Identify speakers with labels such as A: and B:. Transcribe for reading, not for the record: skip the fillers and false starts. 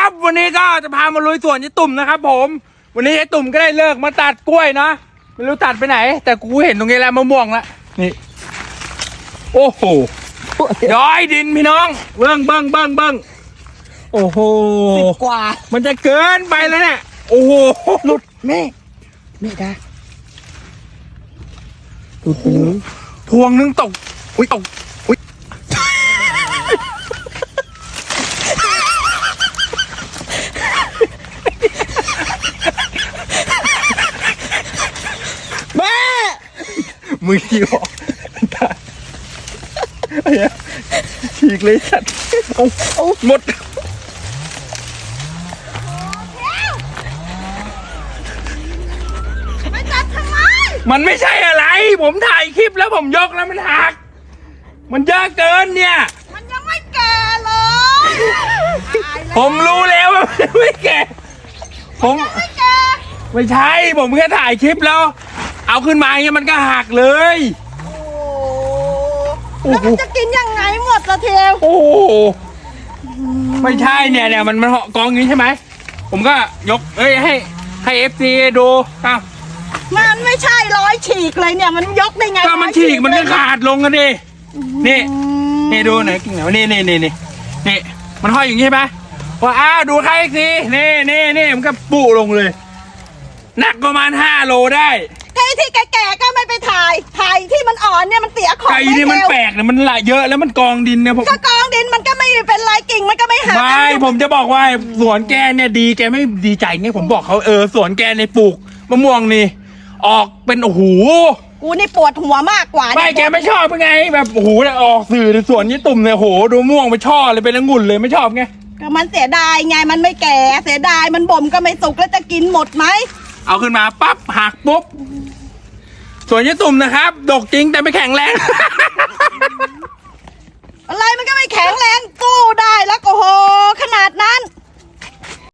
A: ครับวันนี้ก็จะพามาลุยสวนยายตุ่มนะครับผมวันนี้ยายตุ่มก็ได้เลิกมาตัดกล้วยนะไม่รู้ตัดไปไหนแต่กูเห็นตรงนี้แล้วมะม่วงละนี่โอ้โหย้อยดินพี่น้องเบิ้งโอ้โห
B: กว่า
A: มันจะเกินไปแล้วเนี่ยโอ้โห
B: หลุดแม่ได้หลุดไปเลย
A: พวงนึงตกอุ้ยตกอุ้ย
B: แม่
A: มือขี้ออกฉีกเลยสัตว์เอาหมด
C: ไม่จับทำไม
A: มันไม่ใช่อะไรผมถ่ายคลิปแล้วผมยกแล้วมันหักมันเยอะเกินเนี่ย
C: มันยังไม่แก่เลย
A: ผมรู้แล้วว่าไม่แก่ผม
C: ไม่แก่
A: ไม่ใช่ผมแค่ถ่ายคลิปแล้วเอาขึ้นมาอย่างเงี้ยมันก็หักเลย
C: แล้วมันจะกินยังไงหมดละเทว
A: โอ้ไม่ใช่เนี่ยมันเหาะกองอย่างนี้ใช่ไหมผมก็ยกให้FCดูครับ
C: มันไม่ใช่ร้อยฉีกเลยเนี่ยมันยกได้ไง
A: ก็มันฉีกมันก็ขาดลงกันดินี่ดูไหนกิ่งไหนนี่มันห้อยอย่างนี้ใช่ไหมว่าดูใครสินี่มันก็ปุลงเลยหนักประมาณ5 โลได้
C: ไก่ที่แก่ๆก็ไม่ไปถ่ายที่มันอ่อนเนี่ยมันเสียของ
A: ไก่ที่มันแปลกเนี่ยมันละเยอะแล้วมันกองดินเนี่ยผม
C: ก็กองดินมันก็ไม่เป็นไรกิ่งมันก็ไม่หัก
A: ไม่ผมจะบอกว่าสวนแกเนี่ยดีแกไม่ดีใจเนี่ยผมบอกเขาสวนแกในปลูกมะม่วงนี่ออกเป็นโอ้โห
C: กูนี่ปวดหัวมากกว่า
A: ไม่แกไม่ชอบเป็นไงแบบโอ้โหออกสื่อในสวนยี่ตุ่มเนี่ยโหดูม่วงไปช่อเลยเป็นองุ่นเลยไม่ชอบไง
C: ก็มันเสียดายไงมันไม่แก่เสียดายมันบ่มก็ไม่สุกแล้วจะกินหมดไหม
A: เอาขึ้นมาปั๊บหักปุ๊บสวนยี่ตุ่มนะครับดกจริงแต่ไม่แข็งแรง